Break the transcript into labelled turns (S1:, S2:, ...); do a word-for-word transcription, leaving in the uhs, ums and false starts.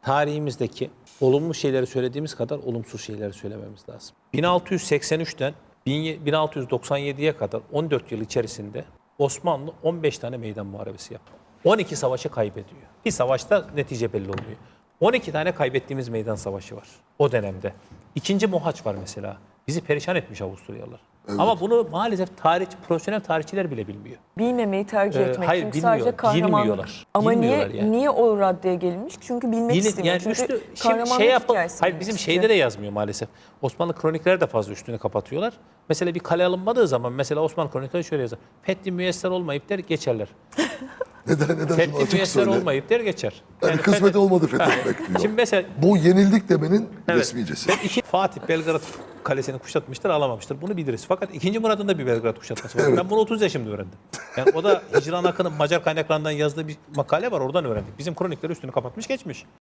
S1: tarihimizdeki olumlu şeyleri söylediğimiz kadar olumsuz şeyleri söylememiz lazım. bin altı yüz seksen üçten bin altı yüz doksan yediye kadar on dört yıl içerisinde Osmanlı on beş tane meydan muharebesi yaptı. on iki savaşı kaybediyor. Bir savaşta netice belli olmuyor. on iki tane kaybettiğimiz meydan savaşı var o dönemde. İkinci Mohaç var mesela. Bizi perişan etmiş Avusturyalılar. Evet. Ama bunu maalesef tarih, profesyonel tarihçiler bile bilmiyor.
S2: Bilmemeyi tercih
S1: Ee,
S2: etmek.
S1: hayır,
S2: Çünkü
S1: bilmiyor,
S2: sadece kahramanlık.
S1: bilmiyorlar.
S2: Ama
S1: Bilmiyorlar
S2: niye
S1: yani.
S2: niye o raddeye gelinmiş? Çünkü bilmek
S1: Yine,
S2: istemiyor.
S1: yani
S2: Çünkü
S1: üstü, şimdi
S2: kahramanlık
S1: şey yapın,
S2: hikayesi
S1: hayır
S2: bilmek
S1: bizim
S2: istiyor.
S1: şeyde de yazmıyor maalesef. Osmanlı kronikleri de fazla üstünü kapatıyorlar. Mesela bir kale alınmadığı zaman mesela Osmanlı kronikleri şöyle yazar. Fethi müyesser olmayıp der geçerler.
S3: Neden neden
S1: Fethi
S3: bunu açık
S1: müyesser
S3: söyle.
S1: olmayıp der geçer.
S3: Yani,
S1: Yani
S3: kısmeti
S1: fethi-
S3: olmadı fethetmek diyor.
S1: Şimdi mesela
S3: Bu yenildik demenin
S1: evet,
S3: resmicesi.
S1: ben iki, Fatih Belgrad Kalesi'ni kuşatmıştır, alamamıştır. Bunu biliriz. Fakat ikinci Murat'ın da bir Belgrad kuşatması var.
S3: Evet.
S1: Ben bunu otuz yaşımda öğrendim. Yani o da Hicran Akın'ın Macar kaynaklarından yazdığı bir makale var, oradan öğrendik. Bizim kronikleri üstünü kapatmış geçmiş.